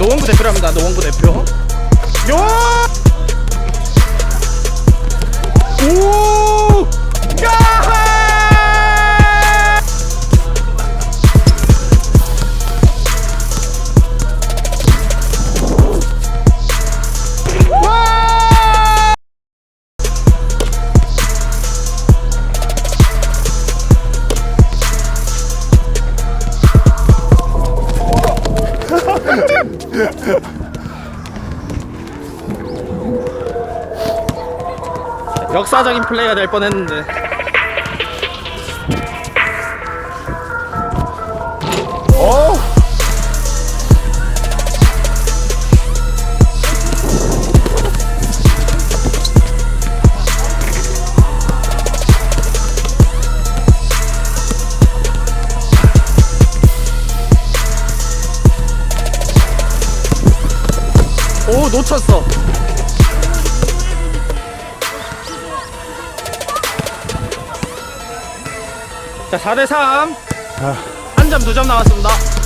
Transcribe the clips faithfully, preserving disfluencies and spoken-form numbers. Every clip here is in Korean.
노원구 대표랍니다. 노원구 대표. 요! 오! 야! 역사적인 플레이가 될 뻔했는데. 어? 오, 놓쳤어. 자, 사 대 삼. 한 점, 두 점 남았습니다.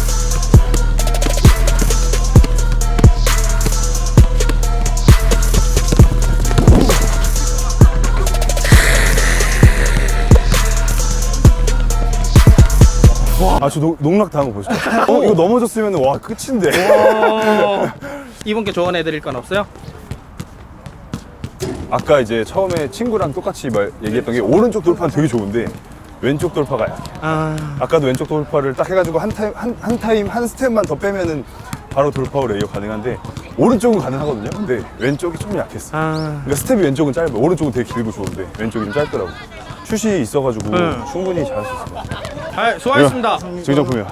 아, 저 농- 농락 당한 거 보시죠. 어, 이거 넘어졌으면 와 끝인데. 오. 이분께 조언해드릴 건 없어요? 아까 이제 처음에 친구랑 똑같이 말 얘기했던 게 오른쪽 돌파는 되게 좋은데 왼쪽 돌파가 약해. 아, 아까도 왼쪽 돌파를 딱 해가지고 한 타임 한, 한 타임 한 스텝만 더 빼면은 바로 돌파로 레이어 가능한데 오른쪽은 가능하거든요. 근데 왼쪽이 좀 약했어. 아. 그러니까 스텝이 왼쪽은 짧아. 오른쪽은 되게 길고 좋은데 왼쪽이 좀 짧더라고. 슛이 있어가지고 응. 충분히 잘할 수 있을 것 같아. 아, 수고하셨습니다. 정정품이야.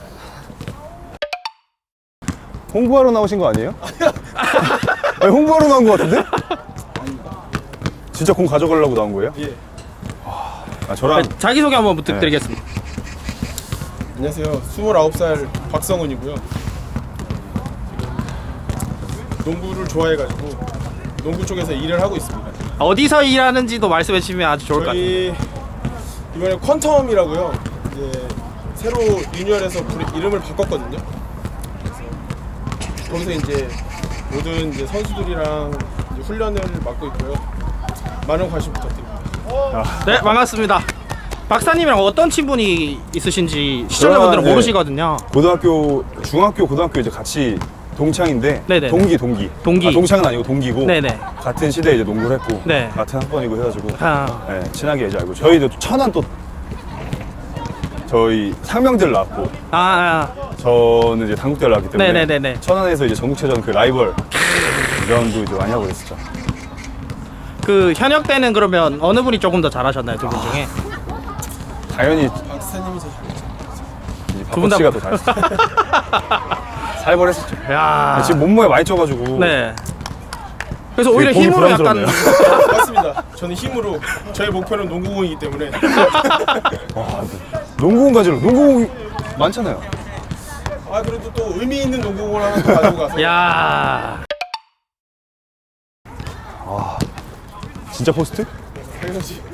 홍보하러 나오신 거 아니에요? 아니, 홍보하러 나온 거 같은데? 진짜 공 가져가려고 나온 거예요? 예. 아, 저랑 자기소개 한번 부탁드리겠습니다. 안녕하세요. 스물아홉 살 박성훈이고요. 지금 농구를 좋아해가지고 농구 쪽에서 일을 하고 있습니다. 어디서 일하는지도 말씀해 주시면 아주 좋을 것 같아요. 저희 이번에 퀀텀이라고요. 이제 새로 유니언에서 부르- 이름을 바꿨거든요. 그래서 거기서 이제 모든 이제 선수들이랑 이제 훈련을 맡고 있고요. 많은 관심 부탁드립니다. 네, 반갑습니다. 박사님이랑 어떤 친분이 있으신지 시청자분들은 저랑, 네. 모르시거든요. 고등학교, 중학교, 고등학교 이제 같이 동창인데 네네네. 동기, 동기. 동기. 아, 동창은 아니고 동기고 네네. 같은 시대에 이제 농구를 했고 네. 같은 학번이고 해가지고 아, 네, 친하게 이제 알고 저희도 천안 또 저희 상명대를 나왔고 아, 아. 저는 이제 당국대를 나왔기 때문에 네네네네. 천안에서 이제 전국체전 그 라이벌 전도 이제 많이 하고 있었죠. 그 현역 때는 그러면 어느 분이 조금 더 잘하셨나요, 두 분 중에? 당연히 박사님이 더 잘했죠. 이제 두분 다- 박씨가 더 잘했어요. 살벌했었죠. 야, 지금 몸무게 많이 쪄가지고 네. 그래서 되게 오히려 보기 힘으로 약간 부담스럽네요. 맞습니다. 저는 힘으로 저의 목표는 농구공이기 때문에 농구공 가지러 농구공 많잖아요. 아 그래도 또 의미 있는 농구공을 하나 더 가지고 가서 야, 진짜 포스트? 당연하지.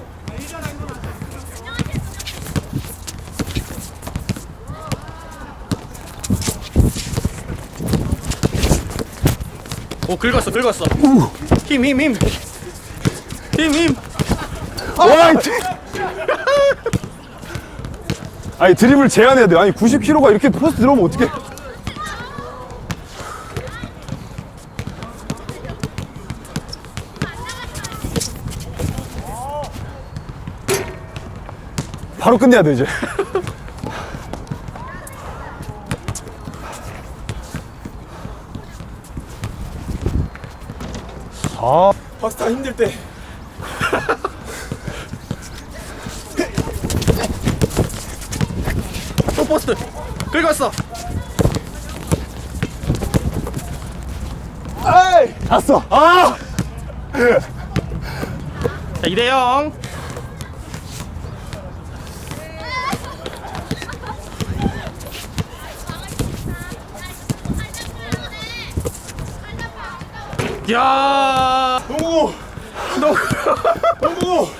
오, 긁었어, 긁었어. 힘, 힘, 힘. 힘, 힘. 와, 이 드- 아니 드립을 제한해야 돼. 아니 구십 킬로그램가 이렇게 포스트 들어오면 어떡해? 바로 끝내야 돼 이제. 아, 파스타 힘들 때 또 포스트. 긁었어. 잤어. 아, 자, 이 대 영. 야, 농구 너 농구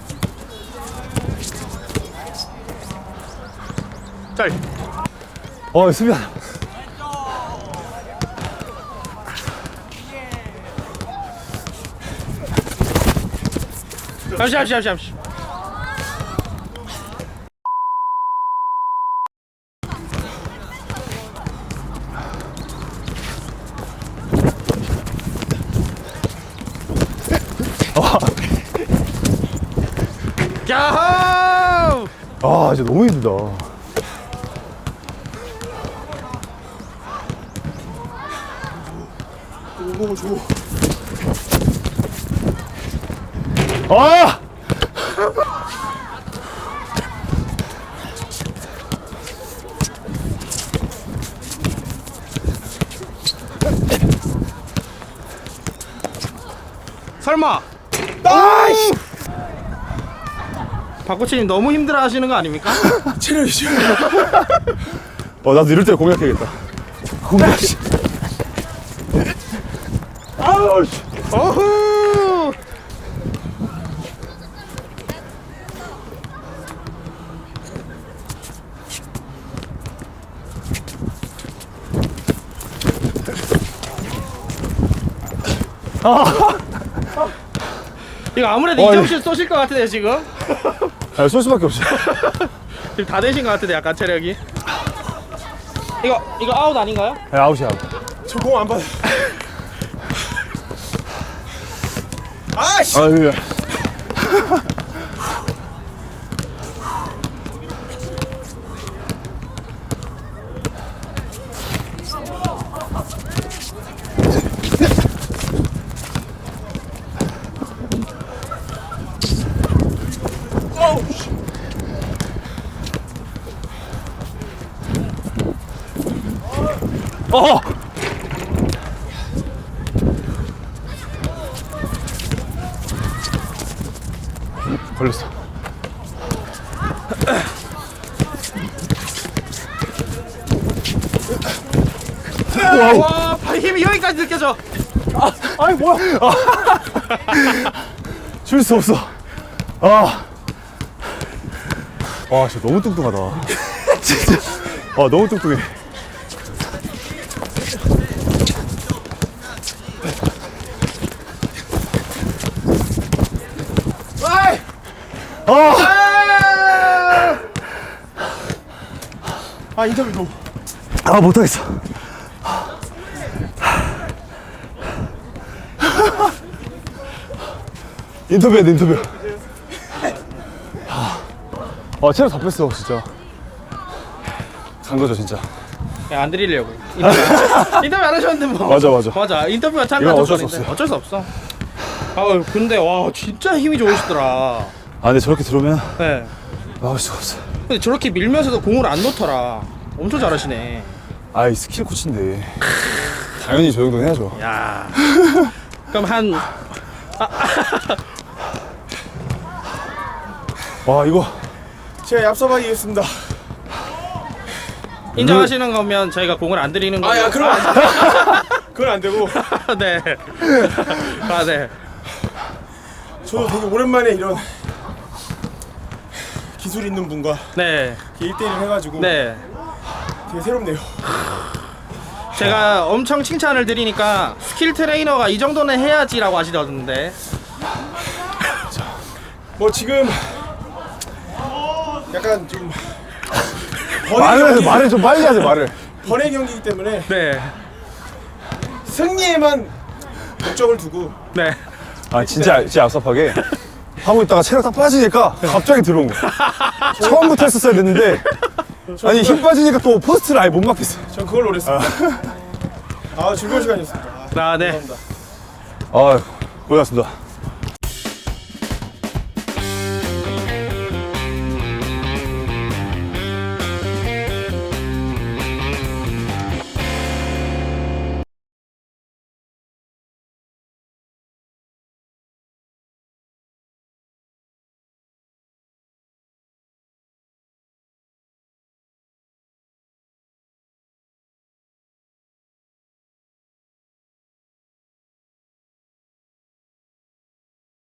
짤. 어, 수비하자. 잠시 잠시 잠시 잠시. 야호! 아, 진짜 너무 힘들다. 오, 줘. 아! 설마 아이씨! 박코치님 너무 힘들어 하시는 거 아닙니까? 체력이죠. 어, 나도 이럴 때 공략해야겠다. 공략. 아우, 씨. 어후! 이거 아무래도 어, 이정실 쏘실 것 같은데 지금? 아, 쏠 수밖에 없어. 지금 다 되신 것 같은데 약간 체력이. 이거 이거 아웃 아닌가요? 야, 아웃이야. 저 공 안 받아. 아씨. 아, 예. 어! 걸렸어. 와, 발 힘이 여기까지 느껴져. 아이, 뭐야. 줄 수 없어. 아. 와, 진짜 너무 뚱뚱하다. 진짜. 아, 너무 뚱뚱해. 아! 아, 인터뷰 좀. 아, 못하겠어. 인터뷰해야 돼, 인터뷰. 아, 체력 다 뺐어, 진짜. 간 거죠, 진짜. 야, 안 드리려고. 인터뷰, 인터뷰 안 하셨는데 뭐. 맞아, 맞아. 맞아. 인터뷰가 참가 이건 어쩔 수 조건인데. 없어요. 어쩔 수 없어. 아, 근데 와, 진짜 힘이 좋으시더라. 아, 근데 저렇게 들어오면 네. 막을 수가 없어. 근데 저렇게 밀면서도 공을 안 놓더라. 엄청 잘하시네. 아, 이 스킬 코치인데. 당연히 저 정도는 해야죠. 야. 그럼 한 와, 이거. 제가 얍삽하게 이겼습니다. 인정하시는 거면 저희가 공을 안 드리는 거예요. 아, 야, 그럼 안 돼. 그건 안 되고. 네. 아, 네. 저도 되게 오랜만에 이런 기술 있는 분과 네. 일 대 일을 해가지고 네. 되게 새롭네요. 제가 엄청 칭찬을 드리니까 스킬 트레이너가 이 정도는 해야지라고 하시던데. 뭐 지금 약간 좀 번외 말을, 경기, 말을 좀 빨리 하지, 말을. 번외 경기이기 때문에 네. 승리에만 목적을 두고 네. 아, 진짜, 진짜 얍삽하게 하고 있다가 체력 다 빠지니까 갑자기 들어온 거야. 처음부터 했었어야 됐는데, 아니, 힘 빠지니까 또 포스트를 아예 못 막겠어. 전 그걸 노렸습니다. 아, 즐거운 시간이었습니다. 아, 네. 감사합니다. 아, 고생하셨습니다.